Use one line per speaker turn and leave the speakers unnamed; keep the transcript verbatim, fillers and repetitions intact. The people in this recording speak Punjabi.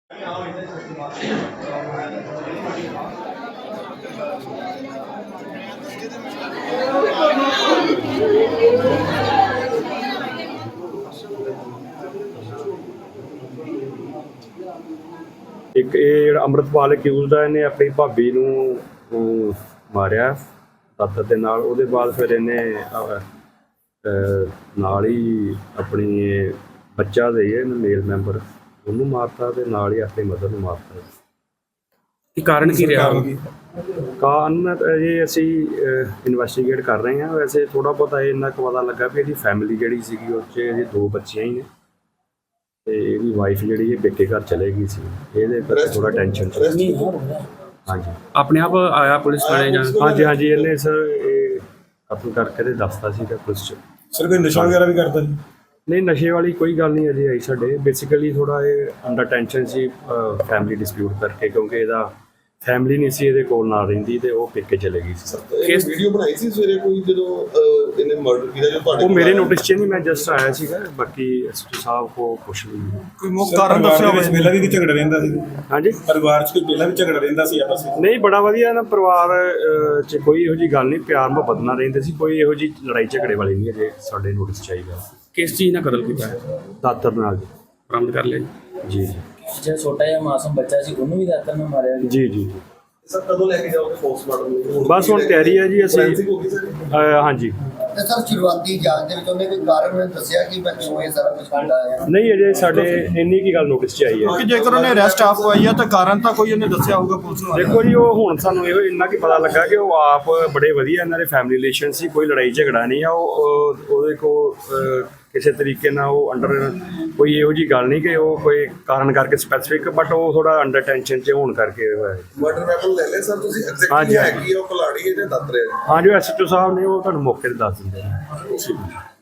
ਇੱਕ ਇਹ ਜਿਹੜਾ ਅੰਮ੍ਰਿਤਪਾਲ ਅਕਿਊਜ਼ਡ ਆ, ਇਹਨੇ ਆਪਣੀ ਭਾਬੀ ਨੂੰ ਅਮ, ਮਾਰਿਆ ਦਾਤਰ ਦੇ ਨਾਲ। ਉਹਦੇ ਬਾਅਦ ਫਿਰ ਇਹਨੇ ਅਹ, ਅਹ, ਨਾਲ ਹੀ ਆਪਣੀ ਇਹ ਬੱਚਾ ਦੇ ਹੈ ਮੇਲ ਮੈਂਬਰ, ਉਹਨੂੰ ਮਾਰਤਾ ਤੇ ਨਾਲ ਹੀ ਆਪਣੀ ਮਦਰ ਨੂੰ ਮਾਰਤਾ।
ਇਹ ਕਾਰਨ ਕੀ ਰਿਹਾ?
ਕਾਰਨ ਅਜੇ ਅਸੀਂ ਇਨਵੈਸਟੀਗੇਟ ਕਰ ਰਹੇ ਹਾਂ। ਵੈਸੇ ਥੋੜ੍ਹਾ ਬਹੁਤਾ ਇਹ ਇੰਨਾ ਕੁ ਪਤਾ ਲੱਗਾ ਵੀ ਇਹਦੀ ਫੈਮਿਲੀ ਜਿਹੜੀ ਸੀਗੀ ਉਹ 'ਚ ਇਹਦੇ ਦੋ ਬੱਚੀਆਂ ਹੀ ਨੇ ਤੇ ਇਹਦੀ ਵਾਈਫ ਜਿਹੜੀ ਇਹ ਪੇਕੇ ਘਰ ਚਲੇ ਗਈ ਸੀ। ਇਹਦੇ ਕਰਕੇ ਥੋੜਾ ਟੈਨਸ਼ਨ ਸੀ। ਹਾਂਜੀ,
ਆਪਣੇ ਆਪ ਆਇਆ ਪੁਲਿਸ ਥਾਣੇ ਜਾਂ?
ਹਾਂਜੀ ਹਾਂਜੀ ਇਹਨੇ ਸਰ ਇਹ ਕਤਲ ਕਰਕੇ ਤੇ ਦੱਸਤਾ ਸੀਗਾ ਪੁਲਿਸ 'ਚ।
ਸਰ ਕੋਈ ਨਸ਼ਾ ਵਗੈਰਾ ਵੀ ਕਰਦਾ ਜੀ?
ਨਹੀਂ, ਨਸ਼ੇ ਵਾਲੀ ਕੋਈ ਗੱਲ ਨਹੀਂ ਅਜੇ ਆਈ ਸਾਡੇ। ਬੇਸਿਕਲੀ ਥੋੜਾ ਇਹ ਅੰਡਰ ਟੈਨਸ਼ਨ ਸੀ ਫੈਮਿਲੀ ਡਿਸਪਿਊਟ ਕਰਕੇ, ਕਿਉਂਕਿ ਇਹਦਾ ਫੈਮਿਲੀ ਨਹੀਂ ਸੀ ਇਹਦੇ ਕੋਲ ਨਾਲ ਰਹਿੰਦੀ ਤੇ ਉਹ ਪੇਕੇ ਚਲੇ ਗਈ ਸੀ।
ਇਹ ਵੀਡੀਓ ਬਣਾਈ ਸੀ ਸਵੇਰੇ ਕੋਈ ਜਦੋਂ ਅਹ, ਇਹਨੇ ਮਰਡਰ ਕੀਤਾ ਜੋ ਤੁਹਾਡੇ
ਉਹ ਮੇਰੇ ਨੋਟਿਸ 'ਚ ਨਹੀਂ, ਮੈਂ ਜਸਟ ਆਇਆ ਸੀਗਾ। ਬਾਕੀ ਐਸਪੀ ਸਾਹਿਬ ਕੋ ਕੁਛ ਨਹੀਂ।
ਕੋਈ ਮੁੱਖ ਕਾਰਨ ਦੱਸਿਆ ਹੋਵੇ? ਪਹਿਲਾਂ ਵੀ ਝਗੜਾ ਰਹਿੰਦਾ ਸੀ
ਹਾਂਜੀ,
ਪਰਿਵਾਰ 'ਚ? ਕੋਈ ਪਹਿਲਾਂ ਵੀ ਝਗੜਾ ਰਹਿੰਦਾ ਸੀ ਆਪਸ ਵਿੱਚ?
ਨਹੀਂ, ਬੜਾ ਵਧੀਆ ਨਾ ਪਰਿਵਾਰ ਅਹ, 'ਚ ਕੋਈ ਇਹੋ ਜਿਹੀ ਗੱਲ ਨਹੀਂ, ਪਿਆਰ ਮੁਹੱਬਤ ਨਾਲ ਰਹਿੰਦੇ ਸੀ। ਕੋਈ ਇਹੋ ਜਿਹੀ ਲੜਾਈ ਝਗੜੇ ਵਾਲੀ ਨਹੀਂ ਅਜੇ ਸਾਡੇ ਨੋਟਿਸ 'ਚ ਆਈ ਗੱਲ।
ਕਿਸ ਚੀਜ਼ ਨਾਲ ਕਤਲ ਕੀਤਾ ਹੈ?
ਦਾਤਰ ਨਾਲ ਜੀ।
ਬਰਾਮਦ ਕਰ ਲਿਆ ਜੀ।
ਜੀ ਜੀ
ਜਿਹੜਾ ਛੋਟਾ ਜਿਹਾ ਮਾਸੂਮ ਬੱਚਾ ਸੀ ਉਹਨੂੰ ਵੀ ਦਾਤਰ ਨਾਲ ਮਾਰਿਆ ਗਿਆ।
ਜੀ ਜੀ।
ਸਰ ਕਦੋਂ ਲੈ ਕੇ ਜਾਓਗੇ ਪੋਸਟਮਾਰਟਮ ਨੂੰ?
ਬਸ ਹੁਣ ਤਿਆਰੀ ਹੈ ਜੀ ਅਸੀਂ।
Forensic ਹੋ ਗਈ ਸਰ?
ਅਹ, ਹਾਂਜੀ।
ਤੇ ਸਰ ਸ਼ੁਰੂਆਤੀ ਜਾਂਚ ਦੇ ਵਿੱਚ ਉਹਨੇ ਕੋਈ ਕਾਰਨ ਦੱਸਿਆ ਕਿ ਮੈਂ ਕਿਉਂ ਇਹ ਸਾਰਾ ਕੁਝ ਕਰਦਾ ਹੈ?
ਨਹੀਂ, ਅਜੇ ਸਾਡੇ ਇੰਨੀ ਕੀ ਗੱਲ ਨੋਟਿਸ 'ਚ ਆਈ ਹੈ।
ਕਿ ਜੇਕਰ ਉਹਨੇ ਅਰੈਸਟ ਆਪ ਹੋਈ ਆ ਤਾਂ ਕਾਰਨ ਤਾਂ ਕੋਈ ਉਹਨੇ ਦੱਸਿਆ ਹੋਊਗਾ ਪੁਲਿਸ ਨੂੰ?
ਦੇਖੋ ਜੀ, ਉਹ ਹੁਣ ਸਾਨੂੰ ਇਹੋ ਇੰਨਾ ਕੀ ਪਤਾ ਲੱਗਾ ਕਿ ਉਹ ਆਪ ਬੜੇ ਵਧੀਆ ਇਹਨਾਂ ਦੇ ਫੈਮਿਲੀ ਰਿਲੇਸ਼ਨ ਸੀ। ਕੋਈ ਲੜਾਈ ਝਗੜਾ ਨਹੀਂ ਆ। ਉਹ ਉਹ- ਉਹਦੇ ਕੋਲ ਅਹ, ਕਿਸੇ ਤਰੀਕੇ ਨਾਲ ਉਹ ਅੰਡਰ ਕੋਈ ਇਹੋ ਜਿਹੀ ਗੱਲ ਨਹੀਂ ਕਿ ਉਹ ਕੋਈ ਕਾਰਨ ਕਰਕੇ ਸਪੈਸੀਫਿਕ, ਬਟ ਉਹ ਥੋੜਾ ਅੰਡਰ ਟੈਨਸ਼ਨ 'ਚ ਹੋਣ ਕਰਕੇ ਹੋਇਆ।
ਮਰਡਰ ਵੈਪਨ ਲੈ ਲਿਆ ਸਰ ਤੁਸੀਂ?
ਹਾਂਜੀ,
ਐਗਜ਼ੈਕਟਲੀ ਹੈ ਕੀ ਉਹ ਕੁਲਾੜੀ ਹੈ ਜਾਂ ਦਾਤਰ ਹੈ?
ਹਾਂ, ਜੋ ਐਸ ਐਚ ਓ ਸਾਹਿਬ ਨੇ ਉਹ ਤੁਹਾਨੂੰ ਮੌਕੇ ਤੇ ਦੱਸ ਦਿੰਦੇ ਨੇ।